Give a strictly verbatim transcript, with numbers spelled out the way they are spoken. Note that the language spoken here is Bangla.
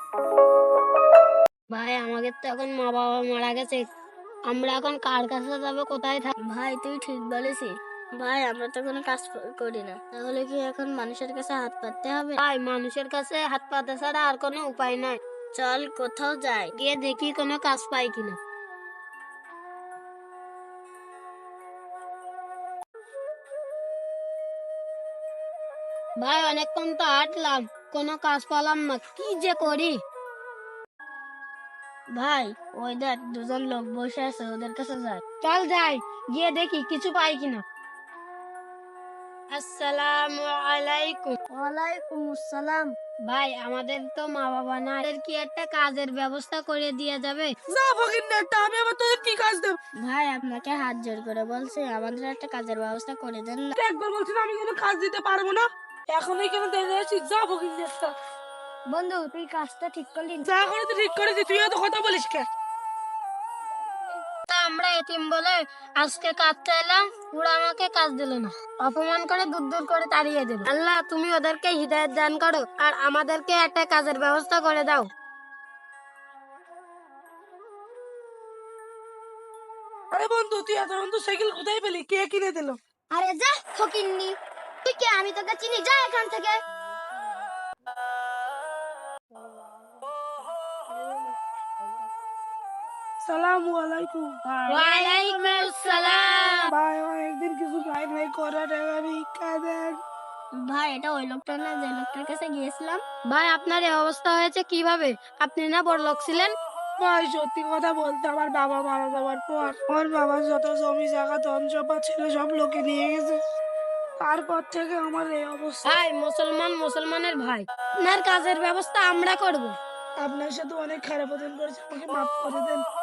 ভাই আমাদের তো এখন মা বাবা মারা গেছে, আমরা এখন কার কাছে যাবো, কোথায় থাক? ভাই তুই ঠিক বলেছিস। ভাই আমরা তো কোনো কাজ করি না, তাহলে কি এখন মানুষের কাছে হাত পাততে হবে? ভাই মানুষের কাছে হাত পাতা ছাড়া আর কোনো উপায় নাই। চল কোথাও যাই, গিয়ে দেখি কোনো কাজ পাই কিনা। ভাই অনেকক্ষণ তো হাঁটলাম, কোনো কাজ পেলাম না, কি যে করি। ভাই ওই দেখ দুজন লোক বসে আছে, ওদের কাছে যাই। চল যাই, গিয়ে দেখি কিছু পাই কিনা। আসসালামু আলাইকুম। ওয়ালাইকুম আসসালাম। ভাই আমাদের তো মা বাবা না, এদের কি একটা কাজের ব্যবস্থা করে দিয়ে যাবে? না ফকিন্নাটা, আমি আবার তোদের কি কাজ দেব? ভাই আপনাকে হাত জোর করে বলছি, আমাদের একটা কাজের ব্যবস্থা করে দেন না। একবার বলছি না আমি কোনো কাজ দিতে পারবো না, এখন এখানে দেখে আছি। যা ফকিন্নাটা, বন্ধু তুই কাজটা ঠিক করলি? যা করে তুই ঠিক করেছিস, তুই এত কথা বলিস কে? তা আমরা এতিম বলে আজকে কাজ চাইলাম, ওরা আমাকে কাজ দিল না, অপমান করে দূর দূর করে তাড়িয়ে দিল। আল্লাহ তুমি ওদেরকে হিদায়াত দান করো, আর আমাদেরকে একটা কাজের ব্যবস্থা করে দাও। আরে বন্ধু, তুই এত বন্ধু সাইকেল কোথায় পেলি? কে কিনে দিল? আরে যা ফকিন্নি, তুই কে? আমি তোকে চিনি, যা এখান থেকে। সালামু আলাইকুম। ওয়ালাইকুম আসসালাম। ভাই অনেকদিন কিছু খাই নাই, করা টাকা ভিক্ষা দেন। ভাই এটা ওই লোকটা না যে লোকটার কাছে গিয়েছিলাম? ভাই আপনার এই অবস্থা হয়েছে কিভাবে? আপনি না বড়লোক ছিলেন? ভাই সত্যি কথা বলতে, আমার বাবা মারা যাওয়ার পর আমার বাবার যত জমি জায়গা ধন সম্পদ ছিল সব লোকে নিয়ে গেছে। তারপর থেকে আমার এই অবস্থা। ভাই মুসলমান মুসলমানের ভাই, আপনার কাজের ব্যবস্থা আমরা করব। আপনার সাথে অনেক খারাপ আচরণ করেছে, আমাকে মাফ করে দেন।